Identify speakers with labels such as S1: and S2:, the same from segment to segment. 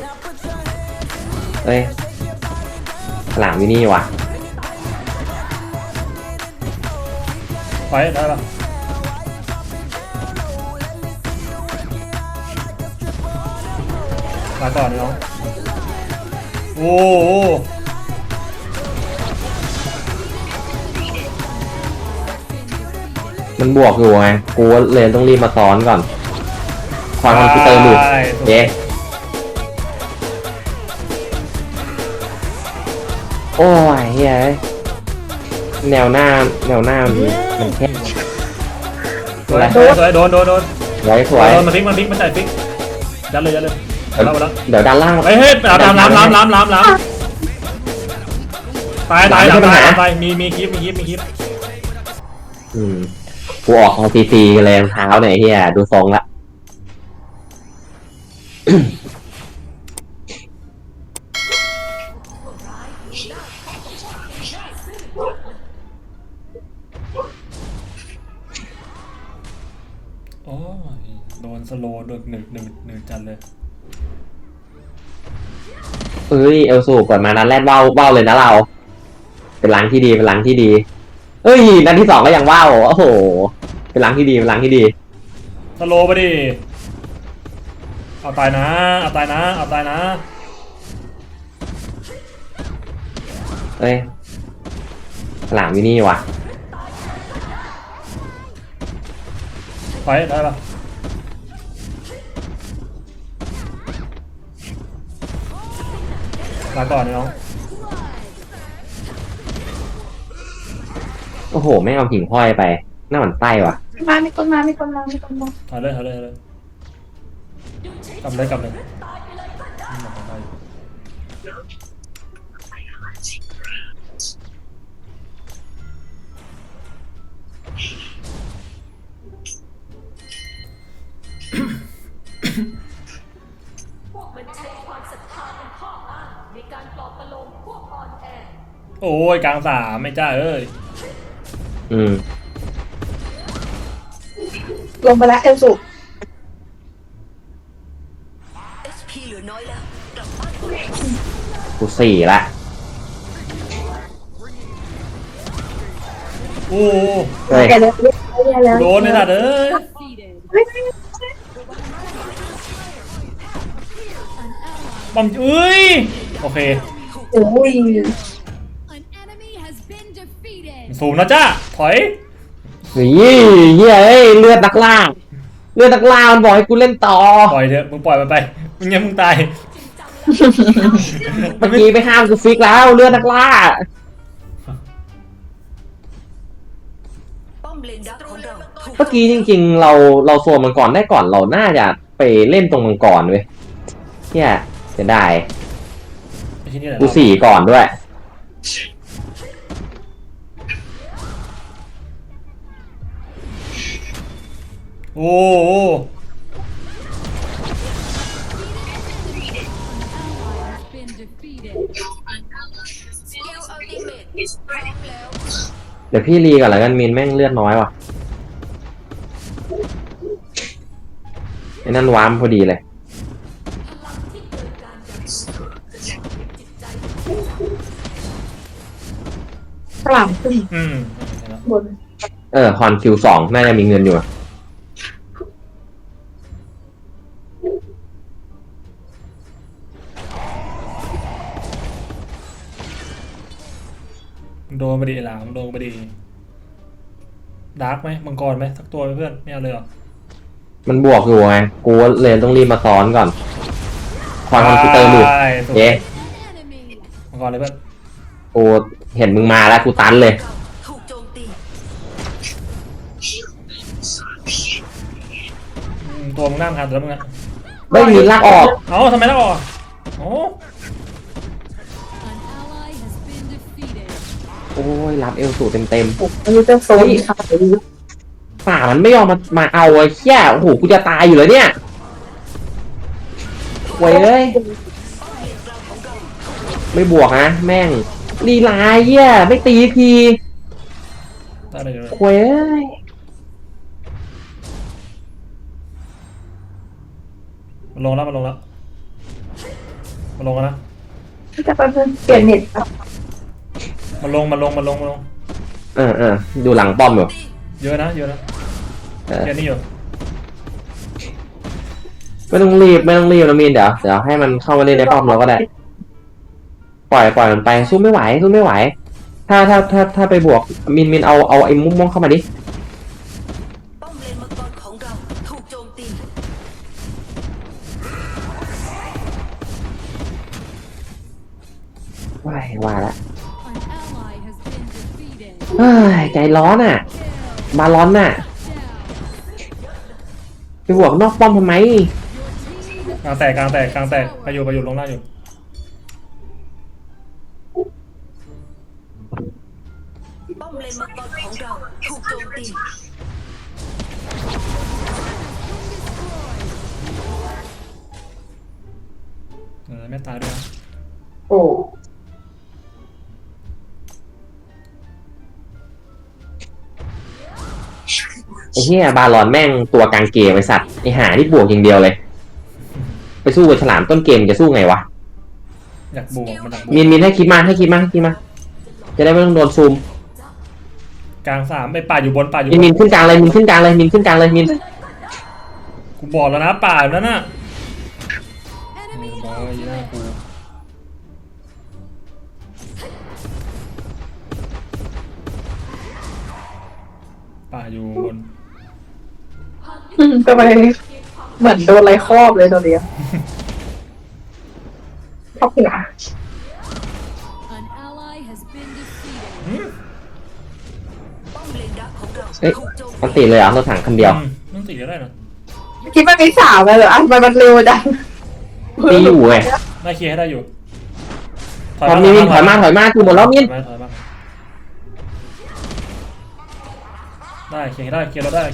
S1: เอ้ยฉลามอยู่นี่ว่ะ
S2: ไปได้ปะมาก่อนน้องโอ้โห
S1: มันบวกอยู่ไงกูเลยต้องรีบมาซ้อนก่อนความคอมพิวเตอร์หลุดเย้โอ้ยเฮ้ยแนวหน้ามันแค่
S2: สวยสวยโดน
S1: สวย
S2: มันพลิกมันใส่พลิกยัดเลยแล้ว
S1: เดี๋ยวด้านล่าง
S2: เฮ้ยล้ำตายมีคลิป
S1: กูออกของซีกันเลยเท้าหน่อยเฮียดูทรงละ
S2: โอ้ยโดนสโลว์โดนหนึ่งจัดเลย
S1: เอ้ยเอลสูก่อนมานัดแรกเบ้าเลยนะเราเป็นล้างที่ดีเอ้ยนัดที่สองก็ยังเบ้าโอ้โหเป็นล้างที่ดี
S2: สโลว์ไปดิเอาตายนะ
S1: เอ้ยฉลามอยู่นี่ว่ะ
S2: ไปได้ปะมาก่อนน้อง
S1: โอ้โหไม่เอาหิ่งห้อยไปหน้าหมันไส้ว่ะ
S3: มีคนมา
S2: ถอยเลยกำเลยโอ้ยกลางสามไม่จ้าเอ้ย
S3: ลงไปแล้วเอลสุ
S1: กูสี่ละ
S2: โอ้โดนเลยนะเด้อบอมเอ้ยโอเค
S3: โอ้ย
S2: สูงนะจ้าถอย
S1: เฮ้ยเลือดนักล่ามันบอกให้กูเล่นต่อ
S2: ปล่อยเถอะมึงปล่อยมันไปมึงยังมึงตาย
S1: เมื่อกี้ไปห้ามกูฟิกแล้วเลือดนักล่าเมื่อกี้จริงๆเราโซนมังกรได้ก่อนเราน่าจะไปเล่นตรงมังกรเว้ยเนี่ยจะได้กูสี่ก่อนด้วย
S2: โอ้
S1: เดี๋ยวพี่รีก่อนแล้วกันมินแม่งเลือดน้อยว่ะไอ้นั่นวามพอดีเลย
S3: ฉลามขึ้นบน
S1: ฮอนคิว2น่าจะมีเงินอยู่
S2: โดนไปดิหลามโดนไปดิดาร์กไหมมังกรไหมสักตัวเพื่อนไม่เอาเลยเหรอ
S1: มันบวกอยู่ไงกูเลยต้องรีบมาซ้อนก่อนความคอมพิวเตอร์หลุดเย้
S2: มังกรเลยเพื่อน
S1: กูเห็นมึงมาแล้วกูตันเลย
S2: ตัวมึงนั่งทันแล้วมึงอะ
S1: ไม่มีลากออก
S2: ทำไมลากออก
S1: โอ้ยรับเอลสูเต็ม
S3: อันนี้จะโซนค่ะ
S1: ฝ่ามันไม่ยอมมาเอาไอ้แค่โอ้โหกูจะตายอยู่เลยเนี่ยเว้ยไม่บวกนะแม่งลีลาเหี้ยไม่ตีทีเว้ย
S2: มันลงแล้วมาลงกันนะ
S3: จะไปเปลี่ยนเน็ตครับ
S2: มาลง
S1: ดูหลังป้อมอยู่
S2: เยอะนะแค่นี้อยู่
S1: ไม่ต้องรีบนะมีนเดี๋ยวให้มันเข้ามาเล่นในป้อมเราก็ได้ ปล่อยมันไปสู้ไม่ไหว ถ้าไปบวกมินเอาไอ้มุ้งม่วงเข้ามาดิ
S4: ป้อมเลนมังกรของเราถูกโจมตี
S1: ว่าละ
S5: An ally has been defeated.
S1: เฮ้ยใจร้อนอ่ะ บาลอนน่ะ ไปบวกนอกป้อมทำไม
S2: กลางแตกไปอยู่ลงหน้าอยู่
S4: ป้อมเลนมังกรของเราถูกโจมตี
S2: ไม่ตายด้วยนะ
S3: โอ้
S1: ไอ้เหี้ยบาลอนแม่งตัวกลางเกมไอ้สัตว์ไอ้หาที่บวกอย่างเดียวเลย ไปสู้กับฉลามต้นเกมจะสู้ไงวะ
S2: อยากบวกมันอยากบวก
S1: มินให้คิดมาจะได้ไม่ต้องโดนซูม
S2: กลางสามไอ้ป่าอยู่บน
S1: มินขึ้นกลางเลยมินขึ้นกลางเลยมิน
S2: กูบอกแล้วนะป่าอยู่นั่นน่ะ
S5: Enemy
S2: บอยยีน่ากูป่าอยู่บน
S3: ทำไมเหมือนโดนอะไรครอบเลยตอนเนี้ยครอบหัว
S5: An ally has been defeated.
S4: ป้อมเลนดักของเรา
S1: เอ้ย
S4: ถูกโจม
S1: มัน
S4: ตี
S1: ติเลยเหรอรถถังคันเดียว
S2: ต้องตีก็ได้นะ
S3: คิดว่ามีสาวเลยเหรออ่ะทำไมมันเร็วจัง
S1: ตีอยู่ไง
S2: ได้เคลียร์ให้ได้อยู่
S1: ถอยมาคือหมดแล้วมิน
S2: ถอยมาได้เคลียร์เราได้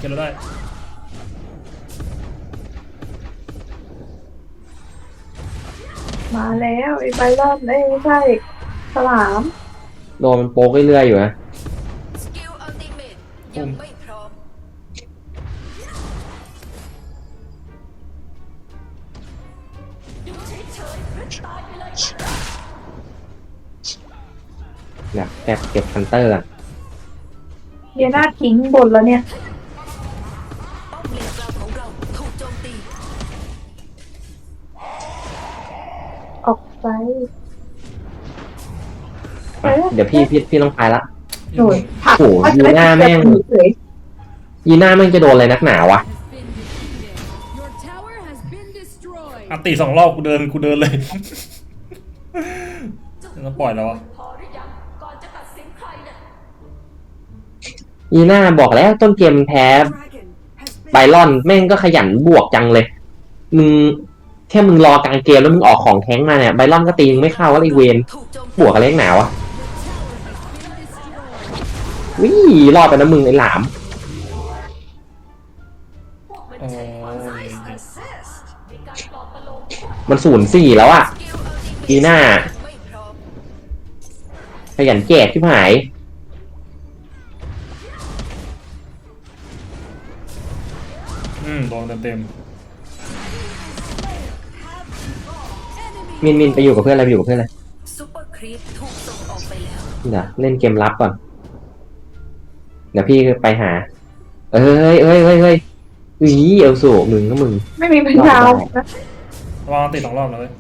S3: มาแล้วไอ้ไบรอนไม่ใช่ฉลาม
S1: โดนมันโป๊กเรื่อยๆอยู่นะ
S4: สกิลอัลติเมทยังไม่พร้อม
S1: อยากเก็บฮันเตอร์อะ
S3: เดียน่าทิ้งบนแล้วเนี่ย
S4: ป้อมเลนกลางของเราถูกโจมตี
S3: ออกไป
S1: เดี๋ยวพี่ต้องไปละ
S3: หน่วยผัก
S1: โอ้โหยีน่าแม่ง
S3: เฉย
S1: ยีน่าแม่งจะโดนอะไรนักหนาวะ
S5: Has been defeated. Your tower has been destroyed.
S2: อันตี2 รอบกูเดินเลยต้องปล่อยแล้ววะ
S1: ยีน่าบอกแล้วต้นเกมแพ้ไบรอนแม่งก็ขยันบวกจังเลยมึงแค่มึงรอกลางเกมแล้วมึงออกของแท้งมาเนี่ยไบรอนก็ตีมึงไม่เข้าก็ไอเวน
S4: ถูกโจม
S1: บวกอะไรนักหนาวะ
S5: Your tower has been destroyed.
S1: วิรอดไปนะมึงไอหลาม
S2: โอ้ย
S1: มัน0-4แล้วอะ
S4: สกิลอัลติเมท
S1: ยีน่า
S4: ไม่พร้อม
S1: ขยันแจกที่หาย
S2: โดนเต็ม
S1: มินไปอยู่กับเพื่อนอะไร
S4: ซุปเปอร์ครีปถูกส่งออกไปแล้ว
S1: เดี๋ยวเล่นเกมลับก่อนเดี๋ยวพี่ไปหาเอ้ยเอลสูมึงก็มึง
S3: ไม่มีเป็นดาวนะ
S2: ระวังติด2 รอบนะเว้ย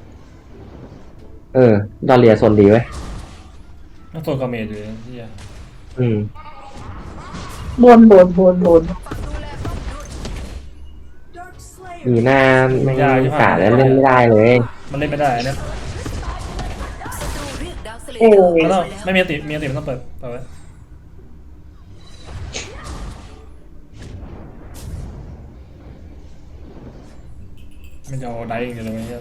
S1: ดอลเลียโซนดีไว้ย
S2: ต้องโซนกาเมจอยู่เลยที่
S1: อืม
S3: บน
S4: ฝากดูแลป้อมด้วย
S1: มีหน้าไม่กาแล้วเล่นไม่ได้เลย
S2: มันเล่นไม่ได้เนี่ย
S4: ศัตรูเรียกดาวสเล
S3: โอ้
S4: เยอร์
S2: มันต้อง
S4: แล้ว
S2: ไม่มีติมันต้องเปิดไว้มันจะเอาได้เองเลยไหมเนี่ย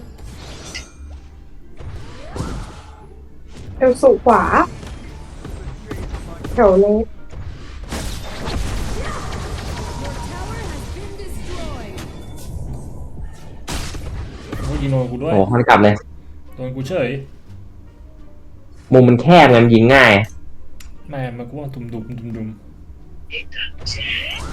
S3: เอวสูขวาแถวเล็ก
S5: Your tower has been destroyed.
S2: โอ้ยยิงโดนกูด้วย
S1: โอ้มันกลับเลย
S2: โดนกูเฉย
S1: มุมมันแคบไงมันยิงง่าย
S2: แม่มันกูว่าดุม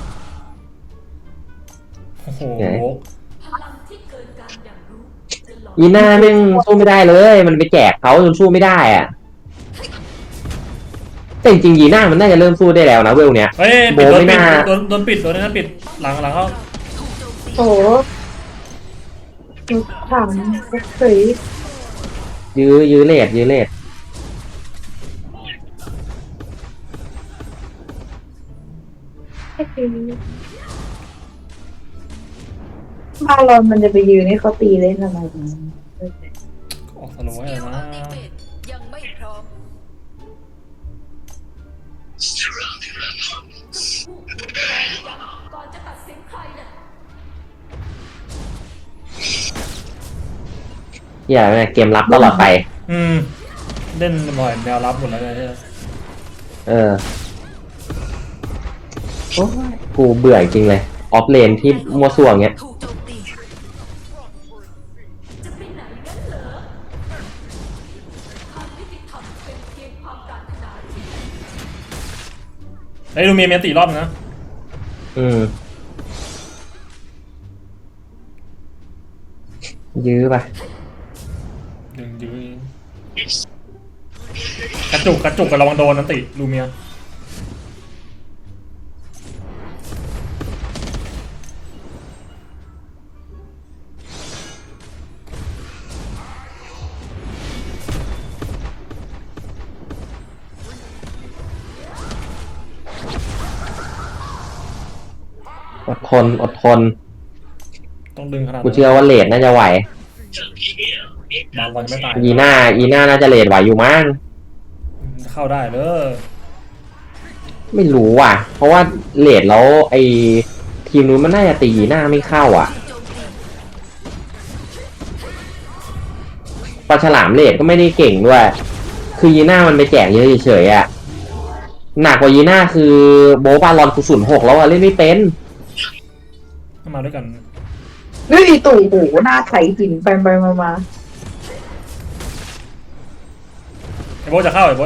S2: โอ้โห
S1: ไหน
S4: พลังที่เกินการอย่างรู้จะหลอ
S1: ยีน่าแม่งสู้ไม่ได้เลย มันไปแจกเขาจนสู้ไม่ได้อะแต่จริงๆยีน่ามันน่าจะเริ่มสู้ได้แล้วนะเวลเนี้ย
S2: เฮ้ย
S1: โบ
S2: ปิดโดน
S1: ไม่
S2: ปิด
S1: น่า
S2: โดนปิดโดนนั้นปิดหลังเขา
S3: โอ้โหถามเฉย
S1: ยื้อเลด
S3: บาลอนมันจะไปยืนให้เขาตีเล่นทำไม
S2: ออกสโลว์ให้แล้วนะ
S4: ยังไม่พร้อม
S1: อย่าเกมรับตลอดไป
S2: เล่นบ่อยแนวรับหมดแล้วเนี่ย
S1: เออโอ้ยกูเบื่อจริงเลยออฟเลนที่มัวซั่วเงี้ย
S4: ถูกโจมตี
S2: เฮ้ยดูเมียตีรอบนึงนะ
S1: ยื้อไป
S2: ยื้อกระจุกกับระวังโดนนะติลูเมีย
S1: อดทน
S2: ต้องดึงขนาด
S1: กูเชื่อว่าเลดน่าจะไหว
S2: บางวันไม่ตาย
S1: อีน่าน่าจะเลดไหวอยู่มั้ง
S2: เข้าได้เลย
S1: ไม่รู้ว่ะ เพราะว่าเลดแล้วไอทีมนู้นมันน่าจะตีอีน่าไม่เข้าอ่ะปลาฉลามเลดก็ไม่ได้เก่งด้วย คือยีน่ามันไปแจกเยอะเฉยๆอ่ะหนักกว่ายีน่าคือโบบาลอนกู06แล้วอะเล่นไม่เป็น
S2: มาด้วยกัน
S3: เฮ้ยตู่โหหน้าไถหินไปมา
S2: ไอ้โบจะเข้า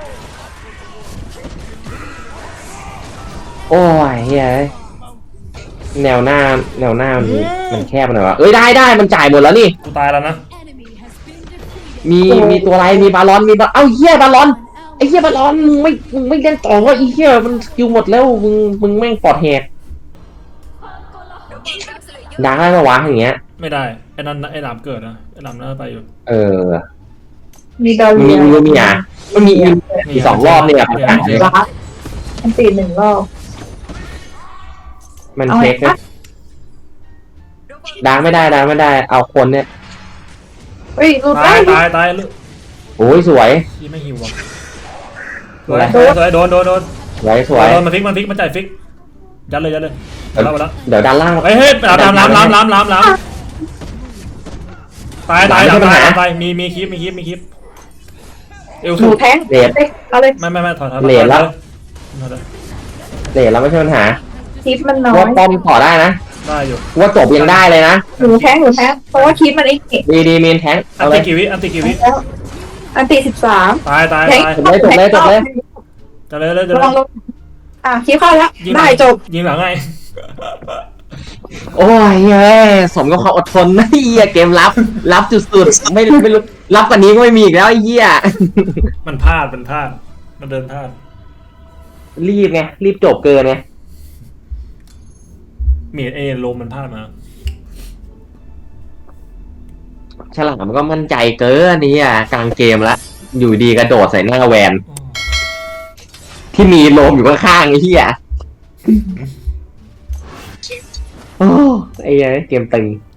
S1: โอ้ยเฮ้ยแนวหน้ามันแคบไปหน่อยวะเอ้ยได้มันจ่ายหมดแล้วนี่
S2: กูตายแล้วนะ
S5: Enemy has been defeated.
S1: มีตัวอะไรมีบาลอนเอ้าเหี้ยบาลอนไอ้เหี้ยบาลอนมึงไม่เล่นต่อวะไอ้เหี้ยมันสกิลหมดแล้วมึงแม่งปลอดแหกดังได้ปะวะอย่างเงี้ย
S2: ไม่ได้ไอ้นั่นไอ้หลามเกิดนะไอ้หลามน่าไปอยู่
S1: เออ
S3: มีดาว
S1: มี
S3: เรีย
S1: มีอ่ะมันมีอีก2 รอบเนี่ยประกาศเลย
S3: รักมันตี1 รอบ
S1: มันเช็คนะดังไม่ได้เอาคนเนี่ย
S3: เฮ้ยรูด
S2: ตา
S3: ได้
S2: ย
S1: โอ้ยสวย
S2: ที่ไม่หิวอ่ะ
S1: สวย
S2: สวยโดน
S1: สวย
S2: มันฟิกมันจ่ายฟิกยัดเลย
S1: เดี๋ยว
S2: แล้ว
S1: เดี๋ยวด้านล่าง
S2: เฮ้ยล้ำตายมีคลิปเอล
S3: ห
S2: สู
S3: นูแทงเอาเลย
S2: ไม่ถอย
S1: เลดแล้วไม่ใช่ปัญหา
S3: คลิปมันน้อ
S1: ว่าย ป้อมต่อได้นะ
S2: ได้อยู่
S1: ว่าจบยังได้เลยนะ
S3: หนูแทงเพราะว่าคลิปมันไอ้เก่ง
S1: ดีเมนแทง
S2: อั
S1: เอา
S2: น
S1: เล
S2: ติ
S1: ย
S2: กิวิ
S3: อันตี13
S2: ตาย
S3: แทง
S2: จะเลย
S3: ลองลงคลิปเข้าแล้วได้จบ
S2: ยิงหลังไง
S1: โอ้ยเฮ้ยสมกับความอดทนนะไอ้เหี้ยเกมรับจุดๆไม่รู้รับกว่านี้ก็ไม่มีอีกแล้วไอ้เหี้ย
S2: มันพลาดมันเดินพลาด
S1: รีบจบเกินไง
S2: เมดลมมันพลาดมา
S1: ฉลามมันก็มั่นใจเกินนี่อ่ะกลางเกมแล้วอยู่ดีกระโดดใส่หน้าแวนที่มีโลมอยู่ข้างๆไอ้เหี้ยโอ้ไอ้เหี้ยเกมตึง